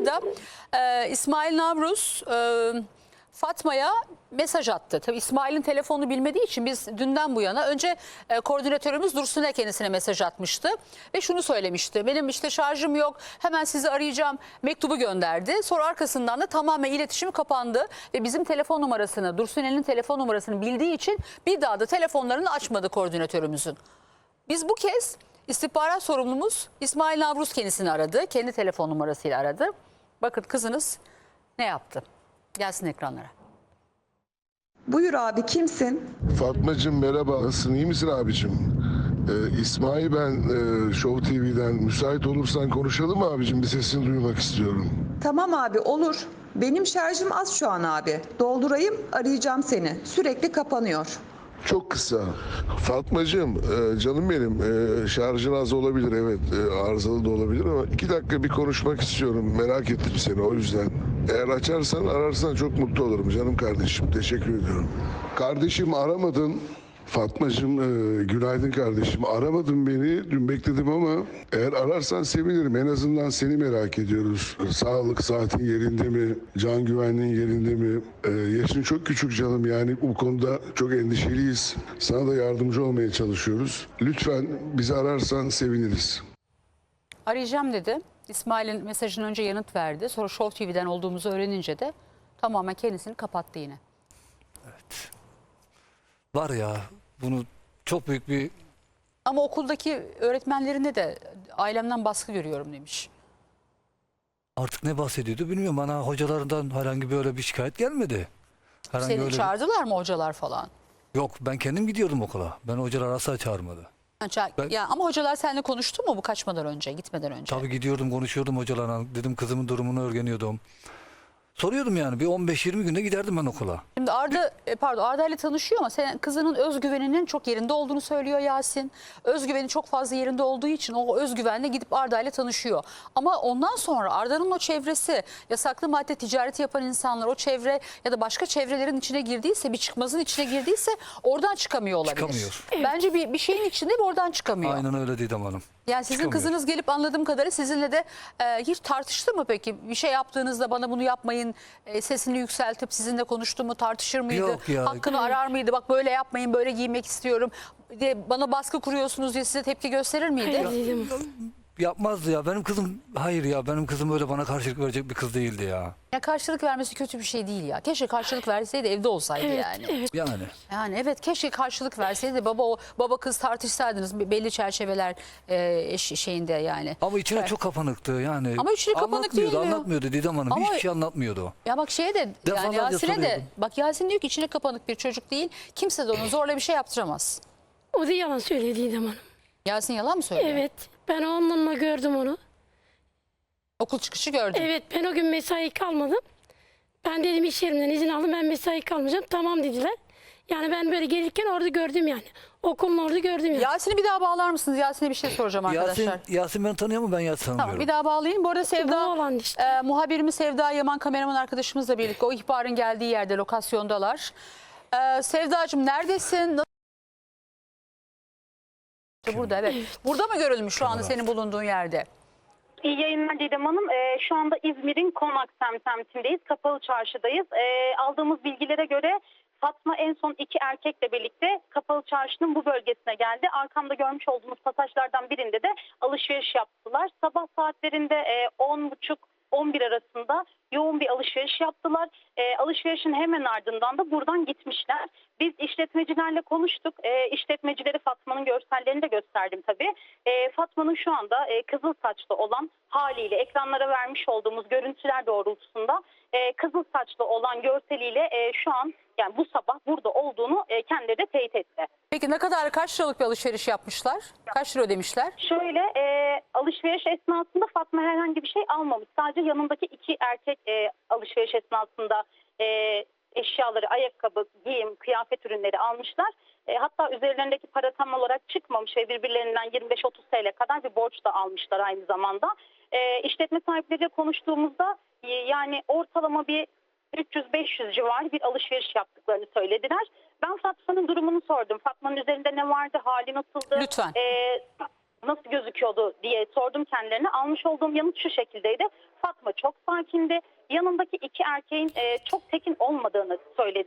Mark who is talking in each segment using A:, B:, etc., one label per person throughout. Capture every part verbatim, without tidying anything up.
A: arada e, İsmail Navruz e, Fatma'ya mesaj attı. Tabii İsmail'in telefonunu bilmediği için biz dünden bu yana önce e, koordinatörümüz Dursun'e kendisine mesaj atmıştı. Ve şunu söylemişti. Benim işte şarjım yok, hemen sizi arayacağım mektubu gönderdi. Sonra arkasından da tamamen iletişim kapandı. Ve bizim telefon numarasını, Dursun'un telefon numarasını bildiği için bir daha da telefonlarını açmadı koordinatörümüzün. Biz bu kez istihbarat sorumlumuz İsmail Navruz kendisini aradı. Kendi telefon numarasıyla aradı. Bakın kızınız ne yaptı? Gelsin ekranlara.
B: Buyur abi, kimsin?
C: Fatmacığım merhaba, nasılsın, iyi misin abicim? Ee, İsmail ben, e, Show T V'den. Müsait olursan konuşalım mı abicim? Bir sesini duymak istiyorum.
B: Tamam abi, olur. Benim şarjım az şu an abi. Doldurayım, arayacağım seni. Sürekli kapanıyor.
C: Çok kısa. Fatmacığım, e, canım benim, e, şarjın az olabilir, evet, e, arızalı da olabilir ama iki dakika bir konuşmak istiyorum. Merak ettim seni, o yüzden. Eğer açarsan, ararsan çok mutlu olurum canım kardeşim. Teşekkür ediyorum. Kardeşim aramadın. Fatmacığım, e, günaydın kardeşim. Aramadın beni, dün bekledim ama eğer ararsan sevinirim. En azından seni merak ediyoruz. Sağlık saatin yerinde mi? Can güvenliğin yerinde mi? E, yaşın çok küçük canım, yani bu konuda çok endişeliyiz. Sana da yardımcı olmaya çalışıyoruz. Lütfen bizi ararsan seviniriz.
A: Arayacağım dedi. İsmail'in mesajını önce yanıt verdi. Sonra Show T V'den olduğumuzu öğrenince de tamamen kendisini kapattı yine.
D: Evet. Var ya, bunu çok büyük bir...
A: Ama okuldaki öğretmenlerinde de ailemden baskı görüyorum demiş.
D: Artık ne bahsediyordu bilmiyorum. Bana hocalarından herhangi böyle bir şikayet gelmedi. Herhangi
A: Seni
D: öyle bir-
A: çağırdılar mı hocalar falan?
D: Yok, ben kendim gidiyordum okula. Ben hocalar asla çağırmadı.
A: Ha, ça-
D: Ben-
A: Ya, ama hocalar seninle konuştu mu bu kaçmadan önce, gitmeden önce?
D: Tabii gidiyordum, konuşuyordum hocalarla. Dedim kızımın durumunu öğreniyordum. Soruyordum yani, bir on beş yirmi günde giderdim ben okula.
A: Şimdi Arda, e, pardon Arda ile tanışıyor ama senin kızının özgüveninin çok yerinde olduğunu söylüyor Yasin. Özgüveni çok fazla yerinde olduğu için o özgüvenle gidip Arda ile tanışıyor. Ama ondan sonra Arda'nın o çevresi, yasaklı madde ticareti yapan insanlar, o çevre ya da başka çevrelerin içine girdiyse, bir çıkmazın içine girdiyse oradan çıkamıyor olabilir.
D: Çıkamıyor.
A: Bence bir, bir şeyin içinde ve oradan çıkamıyor.
D: Aynen öyle Didem Hanım.
A: Yani sizin
D: Çıkamıyor.
A: kızınız gelip anladığım kadarıyla sizinle de e, hiç tartıştı mı peki? Bir şey yaptığınızda bana bunu yapmayın, e, sesini yükseltip sizinle konuştu mu, tartışır mıydı?
D: Yok ya.
A: Hakkını arar mıydı? Bak böyle yapmayın, böyle giymek istiyorum diye bana baskı kuruyorsunuz diye size tepki gösterir miydi?
E: Hayır dedim.
D: Yapmazdı ya. Benim kızım, hayır ya, benim kızım öyle bana karşılık verecek bir kız değildi ya.
A: Ya karşılık vermesi kötü bir şey değil ya. Keşke karşılık verseydi evde olsaydı
E: Evet,
A: yani.
E: evet.
D: Yani.
A: Yani evet, keşke karşılık verseydi, baba o baba kız tartışsaydınız belli çerçeveler e, eş- şeyinde yani.
D: Ama içine
A: Evet.
D: çok kapanıktı yani.
A: Ama içine kapanık
D: Anlatmıyordu,
A: değil mi?
D: anlatmıyordu Didem Hanım.
A: Ama-
D: Hiçbir şey anlatmıyordu o.
A: Ya bak şeye de yani
D: Defalarca
A: Yasin'e de
D: soruyordum.
A: bak Yasin diyor ki içine kapanık bir çocuk değil. Kimse de onu zorla bir şey yaptıramaz.
E: O da yalan söyledi Didem Hanım.
A: Yasin yalan mı söylüyor?
E: Evet. Ben onunla gördüm onu.
A: Okul çıkışı gördüm.
E: Evet, ben o gün mesai kalmadım. Ben dedim iş yerimden izin aldım, ben mesai kalmayacağım. Tamam dediler. Yani ben böyle gelirken orada gördüm yani. Okulun orada gördüm yani.
A: Yasin'i bir daha bağlar mısınız? Yasin'e bir şey soracağım arkadaşlar.
D: Yasin, Yasin beni tanıyor mu? Ben Yasin tanımıyorum.
A: Tamam, bir daha bağlayayım. Bu arada
E: Bu
A: Sevda,
E: olan işte.
A: e, muhabirimiz Sevda Yaman kameraman arkadaşımızla birlikte o ihbarın geldiği yerde, lokasyondalar. E, Sevdacığım neredesin? Nasıl- Burada evet. Burada mı görülmüş şu anda senin bulunduğun yerde?
F: İyi yayınlar Didem Hanım. Ee, şu anda İzmir'in Konak semtindeyiz. Kapalı Çarşı'dayız. Ee, aldığımız bilgilere göre Fatma en son iki erkekle birlikte Kapalı Çarşı'nın bu bölgesine geldi. Arkamda görmüş olduğumuz pasajlardan birinde de alışveriş yaptılar. Sabah saatlerinde e, on buçuk on bir arasında yoğun bir alışveriş yaptılar. E, alışverişin hemen ardından da buradan gitmişler. Biz işletmecilerle konuştuk. E, işletmecileri Fatma'nın görsellerini de gösterdim tabii. E, Fatma'nın şu anda e, kızıl saçlı olan haliyle ekranlara vermiş olduğumuz görüntüler doğrultusunda e, kızıl saçlı olan görseliyle e, şu an yani bu sabah burada olduğunu e, kendileri de teyit etti.
A: Peki ne kadar, kaç liralık bir alışveriş yapmışlar? Kaç lira ödemişler?
F: Şöyle e, alışveriş esnasında Fatma herhangi bir şey almamış. Sadece yanındaki iki erkek e, alışveriş esnasında e, eşyaları, ayakkabı, giyim, kıyafet ürünleri almışlar. E, hatta üzerlerindeki para tam olarak çıkmamış ve birbirlerinden yirmi beş otuz T L kadar bir borç da almışlar aynı zamanda. E, işletme sahipleriyle konuştuğumuzda e, yani ortalama bir üç yüz beş yüz civarı bir alışveriş yaptıklarını söylediler. Ben Fatma'nın durumunu sordum. Fatma'nın üzerinde ne vardı, hali nasıldı?
A: Lütfen.
F: Ee, nasıl gözüküyordu diye sordum kendilerine. Almış olduğum yanıt şu şekildeydi. Fatma çok sakindi. Yanındaki iki erkeğin e, çok tekin olmadığını söyledi.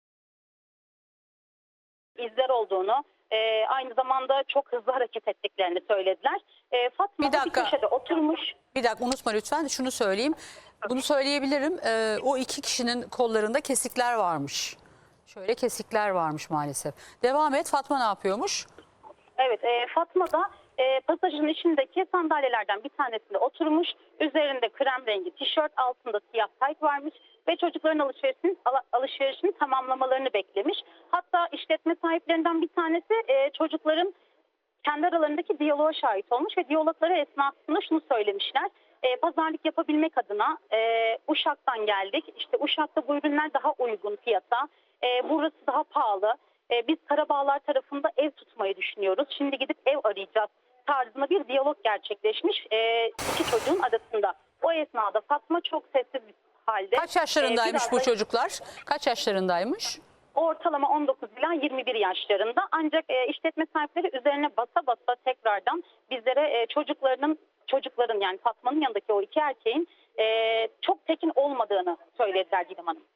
F: İzler olduğunu, e, aynı zamanda çok hızlı hareket ettiklerini söylediler. E, Fatma
A: Bir
F: da bir
A: dakika.
F: köşede oturmuş.
A: Bir dakika unutma lütfen, şunu söyleyeyim. Bunu söyleyebilirim. Ee, o iki kişinin kollarında kesikler varmış. Şöyle kesikler varmış maalesef. Devam et. Fatma ne yapıyormuş?
F: Evet, e, Fatma da e, pasajın içindeki sandalyelerden bir tanesinde oturmuş. Üzerinde krem rengi tişört, altında siyah tayt varmış ve çocukların alışverişini, ala- alışverişini tamamlamalarını beklemiş. Hatta işletme sahiplerinden bir tanesi e, çocukların kendi aralarındaki diyaloğa şahit olmuş ve diyalogları esnasında şunu söylemişler. E, pazarlık yapabilmek adına e, Uşak'tan geldik. İşte Uşak'ta bu ürünler daha uygun fiyata. E, burası daha pahalı. E, biz Karabağlar tarafında ev tutmayı düşünüyoruz. Şimdi gidip ev arayacağız tarzında bir diyalog gerçekleşmiş e, iki çocuğun arasında. O esnada Fatma çok sessiz bir halde.
A: Kaç yaşlarındaymış
F: e, biraz
A: bu
F: da-
A: çocuklar? Kaç yaşlarındaymış?
F: Ortalama on dokuz ila yirmi bir yaşlarında, ancak e, işletme sahipleri üzerine basa basa tekrardan bizlere e, çocuklarının çocukların yani Fatma'nın yanındaki o iki erkeğin e, çok tekin olmadığını söylediler Didem Hanım.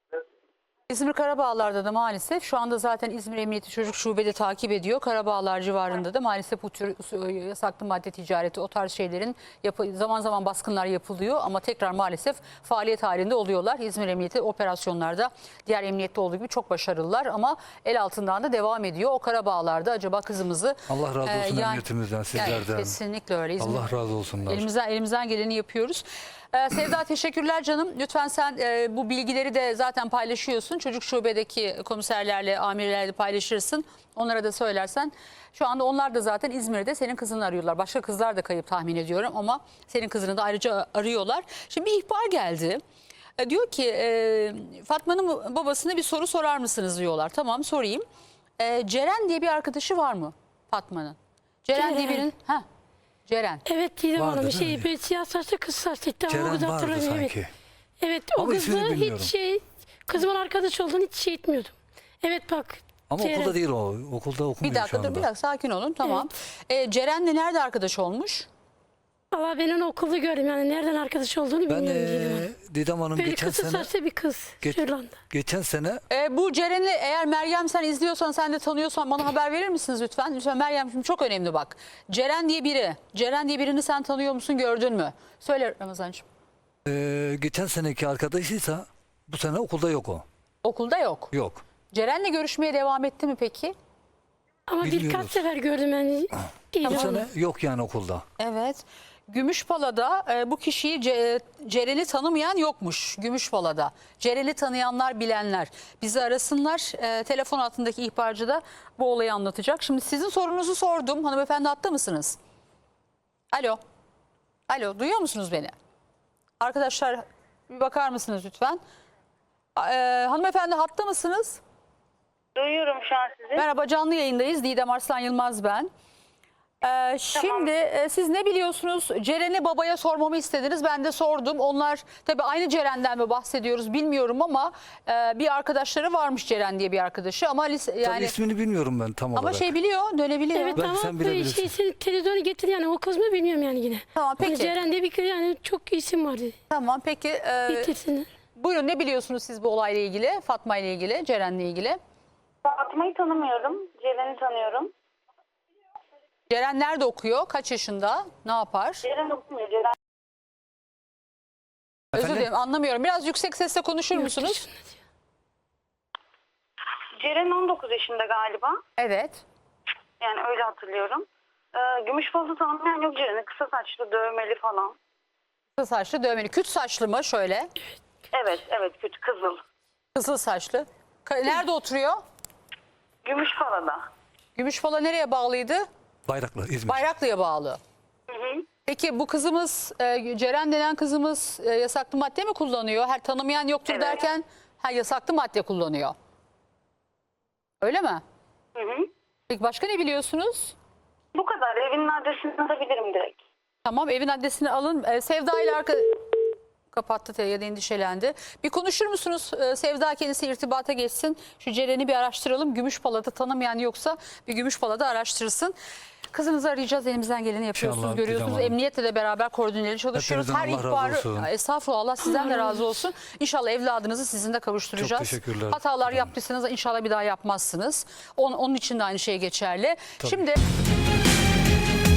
A: İzmir Karabağlar'da da maalesef şu anda zaten İzmir Emniyeti Çocuk Şube'de takip ediyor. Karabağlar civarında da maalesef bu tür yasaklı madde ticareti, o tarz şeylerin yapı, zaman zaman baskınlar yapılıyor ama tekrar maalesef faaliyet halinde oluyorlar. İzmir Emniyeti operasyonlarda diğer emniyette olduğu gibi çok başarılılar ama el altından da devam ediyor. O Karabağlar'da acaba kızımızı...
D: Allah razı olsun
A: e, yani-
D: emniyetimizden,
A: yani
D: sizlerden.
A: kesinlikle öyle. İzmir-
D: Allah razı olsunlar.
A: Elimizden, elimizden geleni yapıyoruz. Ee, Sevda teşekkürler canım. Lütfen sen e, bu bilgileri de zaten paylaşıyorsun. Çocuk şubedeki komiserlerle, amirlerle paylaşırsın. Onlara da söylersen. Şu anda onlar da zaten İzmir'de senin kızını arıyorlar. Başka kızlar da kayıp tahmin ediyorum ama senin kızını da ayrıca arıyorlar. Şimdi bir ihbar geldi. E, diyor ki e, Fatma'nın babasına bir soru sorar mısınız diyorlar. Tamam sorayım. E, Ceren diye bir arkadaşı var mı Fatma'nın? Ceren, diye
E: Ceren.
A: birinin... Heh, Ceren.
E: Evet Didem
D: Vardı,
E: Hanım
D: değil
E: şey
D: mi?
E: böyle siyah saçlı kız saçlı. Tamam, o
D: Ceren
E: kızı
D: vardı
E: hatırlamıyorum, evet.
D: sanki.
E: Evet o
D: Ama ismini
E: kızla
D: bilmiyorum.
E: hiç şey kızımın arkadaş olduğunu hiç şey etmiyordum. Evet bak.
D: Ama
E: Ceren.
D: okulda değil o. Okulda okumuyor
A: Bir dakika
D: şu anda.
A: dur biraz sakin olun tamam. Ee, Ceren'le nerede arkadaş olmuş?
E: Valla ben onu okulda gördüm yani nereden arkadaş olduğunu
D: Ben
E: bilmiyorum Didem
D: ee,
E: Hanım.
D: Didem Hanım
E: Böyle
D: geçen
E: kısa
D: sene
E: saçlı bir kız.
D: geç-
E: Şırlanda.
D: geçen sene
A: Ee, bu Ceren'i eğer Meryem sen izliyorsan sen de tanıyorsan bana haber verir misiniz lütfen? Lütfen Meryem şimdi çok önemli bak. Ceren diye biri. Ceren diye birini sen tanıyor musun gördün mü? Söyle Ramazancığım.
D: ee, geçen seneki arkadaşıysa bu sene okulda yok o.
A: Okulda yok.
D: Yok.
A: Ceren'le görüşmeye devam etti mi peki?
E: Ama
D: Bilmiyoruz.
E: birkaç sefer gördüm yani. Didem
D: Bu
E: Hanım.
D: sene yok yani okulda.
A: Evet. Gümüşpala'da e, bu kişiyi Ce- Ceren'i tanımayan yokmuş Gümüşpala'da. Ceren'i tanıyanlar bilenler bizi arasınlar. E, telefon altındaki ihbarcı da bu olayı anlatacak. Şimdi sizin sorunuzu sordum. Hanımefendi hatta mısınız? Alo. Alo duyuyor musunuz beni? Arkadaşlar bir bakar mısınız lütfen? E, hanımefendi hatta mısınız?
F: Duyuyorum şu an sizi.
A: Merhaba canlı yayındayız. Didem Arslan Yılmaz ben. Ee, şimdi e, siz ne biliyorsunuz? Ceren'i babaya sormamı istediniz. Ben de sordum. Onlar tabii aynı Ceren'den mi bahsediyoruz bilmiyorum ama e, bir arkadaşları varmış Ceren diye bir arkadaşı ama lise,
D: Tabii
A: yani
D: ismini bilmiyorum ben tam
A: ama
D: olarak.
A: şey biliyor, dönebiliyor.
E: Evet
D: Belki
E: ama
D: sen
E: bu
D: bilebilirsin.
E: şey senin televizyonu getir yani o kız mı bilmiyorum yani yine.
A: Tamam,
E: Hani
A: peki.
E: Ceren diye bir kız yani çok isim vardı.
A: Tamam peki. E,
E: Getirsinler.
A: buyurun ne biliyorsunuz siz bu olayla ilgili? Fatma ile ilgili, Ceren'le ilgili.
F: Fatma'yı tanımıyorum. Ceren'i tanıyorum.
A: Ceren nerede okuyor? Kaç yaşında? Ne yapar?
F: Ceren okumuyor. Ceren
A: Özür
D: Efendim?
A: dilerim anlamıyorum. Biraz yüksek sesle konuşur
E: Yurt
A: musunuz?
E: dışında diyor.
F: Ceren on dokuz yaşında galiba.
A: Evet.
F: Yani öyle hatırlıyorum. Ee, Gümüşbalı tanımayan yok Ceren'i. Kısa saçlı, dövmeli falan.
A: Kısa saçlı, dövmeli. Küt saçlı mı şöyle?
F: Evet, evet. Kötü kızıl.
A: Kızıl saçlı. Ka- Nerede oturuyor?
F: Gümüşbala'da.
A: Gümüşpala nereye bağlıydı?
D: Bayraklı İzmir.
A: Bayraklı'ya bağlı. Peki bu kızımız e, Ceren denen kızımız e, yasaklı madde mi kullanıyor? Her tanımayan yoktur
F: Evet.
A: derken ha, yasaklı madde kullanıyor. Öyle mi?
F: Hı hı.
A: Peki başka ne biliyorsunuz?
F: Bu kadar. Evinin adresini alabilirim direkt.
A: Tamam evin adresini alın. E, Sevda ile arka... Kapattı ya da endişelendi. Bir konuşur musunuz? Ee, Sevda kendisi irtibata geçsin. Şu Ceren'i bir araştıralım. Gümüşpalat'ı tanımayan yoksa bir Gümüşpalat'ı araştırsın. Kızınızı arayacağız. Elimizden geleni yapıyorsunuz,
D: İnşallah,
A: görüyorsunuz.
D: Didem Hanım.
A: Emniyetle de beraber koordineli çalışıyoruz.
D: Hepinizden
A: Her
D: Allah razı
A: ihbarı
D: olsun.
A: Ya, estağfurullah, Allah sizden de razı olsun. İnşallah evladınızı sizinle kavuşturacağız.
D: Çok teşekkürler.
A: Hatalar
D: Didem.
A: yaptıysanız inşallah bir daha yapmazsınız. Onun, onun için de aynı şey geçerli.
D: Tabii.
A: Şimdi